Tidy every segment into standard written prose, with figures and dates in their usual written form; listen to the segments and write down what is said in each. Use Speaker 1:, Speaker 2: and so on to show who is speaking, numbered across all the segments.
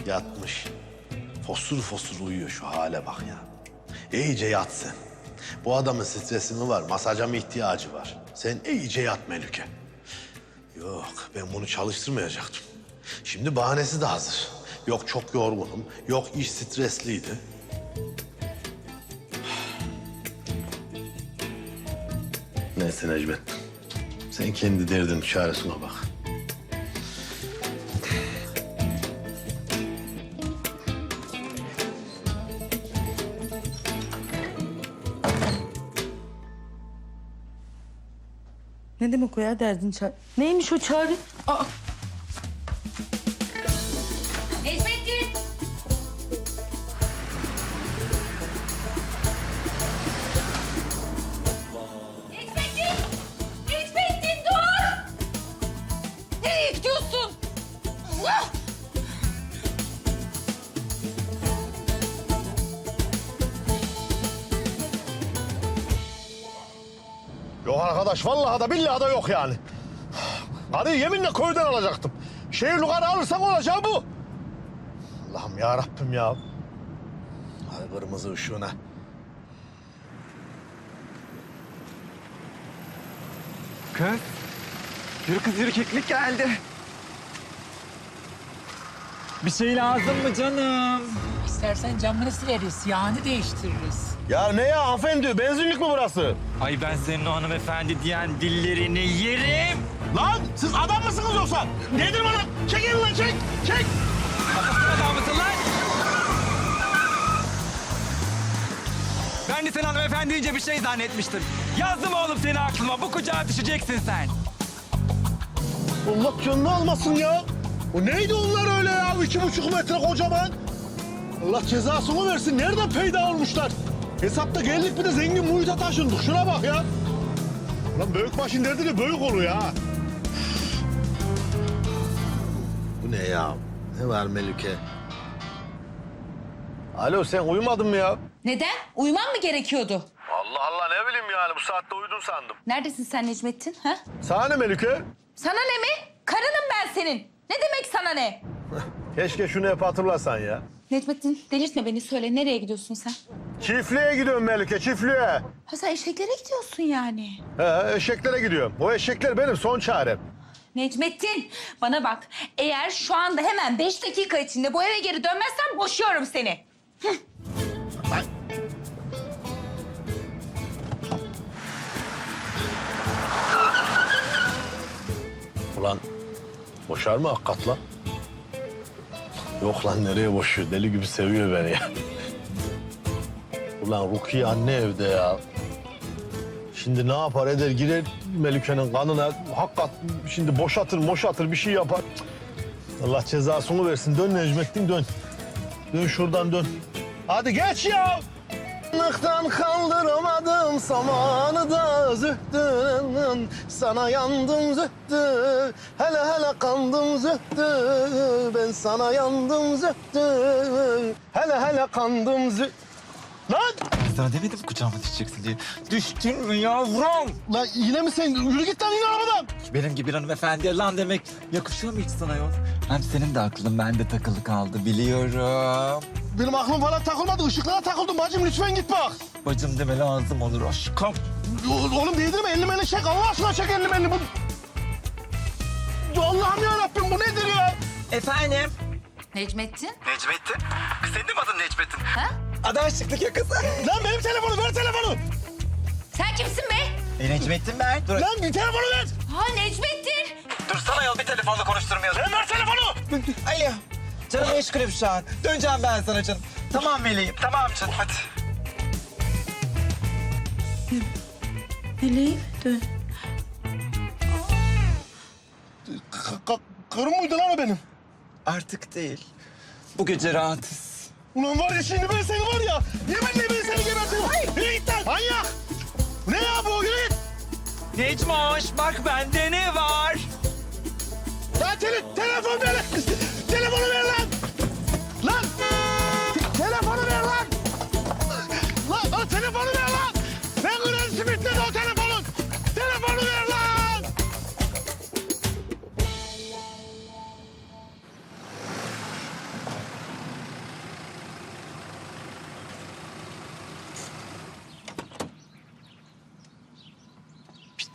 Speaker 1: Yatmış. Fosur fosur uyuyor, şu hale bak ya. İyice yat sen. Bu adamın stresi mi var, masaja mı ihtiyacı var? Sen iyice yat Melike. Yok, ben bunu çalıştırmayacaktım. Şimdi bahanesi de hazır. Yok çok yorgunum, yok iş stresliydi. Neyse Necmet, sen kendi derdinin çaresine bak.
Speaker 2: Ne demek o ya derdin çağrı? Neymiş o çağrı? Aa,
Speaker 3: Necmettin! Necmettin! Necmettin dur! Nereye gidiyorsun? Allah!
Speaker 1: Yok arkadaş, vallahi da billahi da yok yani. Karıyı yeminle köyden alacaktım. Şehir yukarı alırsak olacağı bu. Allah'ım ya Rabbim ya. Hadi kırmızı ışığına.
Speaker 4: Kız. Yürü kız yürü, keklik geldi. Bir şey lazım mı canım?
Speaker 5: İstersen camını sileriz, yağını değiştiririz.
Speaker 1: Ya ne ya hanımefendi, benzinlik mi burası?
Speaker 4: Ay ben senin o hanımefendi diyen dillerini yerim.
Speaker 1: Lan siz adam mısınız yoksa? Nedir bana? Çek elini lan, çek, çek.
Speaker 4: Kafasına adam mısın lan? Ben de sen hanımefendi deyince bir şey zannetmiştim. Yazdım oğlum seni aklıma, bu kucağa düşeceksin sen.
Speaker 1: Allah canını almasın ya. O neydi onlar öyle ya? 2,5 metre kocaman. Allah cezasını versin. Nereden peyda olmuşlar? Hesapta geldik bir de zengin muhite taşındık. Şuna bak ya. Ulan büyük başın derdi de büyük oluyor ha. Bu ne ya? Ne var Melike? Alo, sen uyumadın mı ya?
Speaker 3: Neden? Uyuman mı gerekiyordu?
Speaker 1: Allah Allah, ne bileyim yani, bu saatte uyudun sandım.
Speaker 3: Neredesin sen Necmettin? Ha?
Speaker 1: Sana ne Melike?
Speaker 3: Sana ne mi? Karınım ben senin. Ne demek sana ne?
Speaker 1: Keşke şunu hep hatırlasan ya.
Speaker 3: Necmettin delirtme beni, söyle nereye gidiyorsun sen?
Speaker 1: Çiftliğe gidiyorum Melike, çiftliğe.
Speaker 3: Ha sen eşeklere gidiyorsun yani.
Speaker 1: He, eşeklere gidiyorum. O eşekler benim son çarem.
Speaker 3: Necmettin bana bak, eğer şu anda hemen 5 dakika içinde bu eve geri dönmezsen boşuyorum seni.
Speaker 1: Ulan boşar mı hakikat lan? Yok lan, nereye boşuyor? Deli gibi seviyor beni ya. Ulan Rukiye anne evde ya. Şimdi ne yapar eder, girer Melike'nin kanına. Hakikat şimdi boşatır bir şey yapar. Allah cezasını versin. Dön Necmettin, dön. Dön şuradan, dön. Hadi geç ya. Nıktan kaldıramadım samanı da zühtün. Sana yandım zühtü. Hele hele kandım zühtü. Ben sana yandım zühtü. Hele hele kandım zühtü. Lan!
Speaker 4: Sana demedim kucağıma düşeceksin diye. Düştün mü yavrum?
Speaker 1: Lan yine mi sen? Yürü git lan, in arabadan.
Speaker 4: Benim gibi bir hanımefendiye lan demek yakışıyor mu hiç sana yol? Hem senin de aklın bende takılı kaldı biliyorum.
Speaker 1: Benim aklım falan takılmadı. Işıklara takıldım bacım, lütfen git bak.
Speaker 4: Bacım deme lazım olur aşkım.
Speaker 1: Oğlum değdirme, elini çek. Allah aşkına çek elini. Allah'ım yarabbim, bu nedir ya?
Speaker 4: Efendim?
Speaker 3: Necmettin?
Speaker 4: Necmettin? Kız senin de mi adın Necmettin?
Speaker 3: Ha?
Speaker 4: Adı aşıklık yakası.
Speaker 1: Lan benim telefonu, ver telefonu.
Speaker 3: Sen kimsin be?
Speaker 4: Necmettin ben. Dur.
Speaker 1: Lan bir telefonu ver.
Speaker 3: Ha Necmettin!
Speaker 4: Dursana yol, bir telefonla konuşturmayalım.
Speaker 1: Sen ver telefonu.
Speaker 4: Alo. Canım meşgulüm şu an. Döneceğim ben sana canım. Tamam Meleğim. Tamam canım hadi.
Speaker 2: Meleğim dön.
Speaker 1: Karım mıydı lan o benim?
Speaker 4: Artık değil. Bu gece rahatız.
Speaker 1: Ulan var ya, şimdi ben seni var ya. Yeminle ben seni gebertirim. Yürü git lan. Manyak. Bu ne ya bu? Yürü git.
Speaker 4: Necmoş bak bende ne var?
Speaker 1: Lan telefon ver. Telefonu ver lan. Lan. Telefonu ver lan. Lan telefonu ver lan. Ben kırarım simitleri o telefonun. Telefonu ver lan.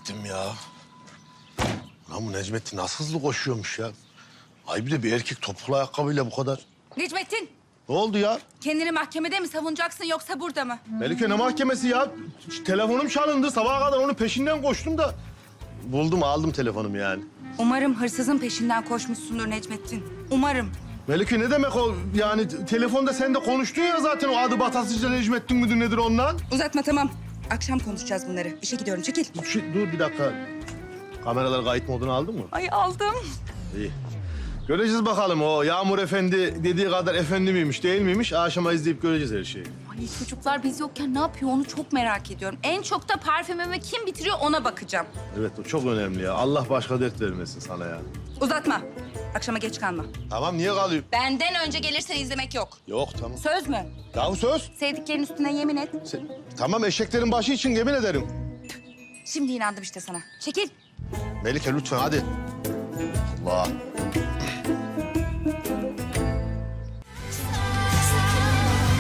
Speaker 1: ettim ya. Lan bu Necmettin nasıl hızlı koşuyormuş ya. Ay bir de bir erkek topuklu ayakkabıyla bu kadar.
Speaker 3: Necmettin,
Speaker 1: Ne oldu ya?
Speaker 3: kendini mahkemede mi savunacaksın yoksa burada mı?
Speaker 1: Melike ne mahkemesi ya? Telefonum çalındı. Sabaha kadar onun peşinden koştum da. Buldum aldım telefonumu yani.
Speaker 3: Umarım hırsızın peşinden koşmuşsundur Necmettin. Umarım.
Speaker 1: Melike ne demek o? Yani telefonda sen de konuştun ya zaten o adı Batasıca Necmettin müdür nedir ondan?
Speaker 3: Uzatma tamam. Akşam konuşacağız bunları. İşe gidiyorum çekil.
Speaker 1: Dur bir dakika. Kameralar kayıt modunu aldın mı?
Speaker 3: Ay aldım.
Speaker 1: İyi. Göreceğiz bakalım o Yağmur Efendi dediği kadar efendi miymiş değil miymiş? Akşama izleyip göreceğiz her şeyi.
Speaker 3: Ay çocuklar biz yokken ne yapıyor onu çok merak ediyorum. En çok da parfümümü kim bitiriyor ona bakacağım.
Speaker 1: Evet o çok önemli ya. Allah başka dert vermesin sana ya.
Speaker 3: Uzatma. Akşama geç kalma.
Speaker 1: Tamam niye kalayım?
Speaker 3: Benden önce gelirsen izlemek yok.
Speaker 1: Yok tamam.
Speaker 3: Söz mü?
Speaker 1: Yahu söz.
Speaker 3: Sevdiklerin üstüne yemin et.
Speaker 1: Tamam eşeklerin başı için yemin ederim.
Speaker 3: Şimdi inandım işte sana. Çekil.
Speaker 1: Melike lütfen hadi. Allah.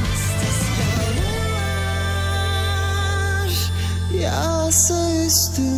Speaker 6: Yağsa üstüne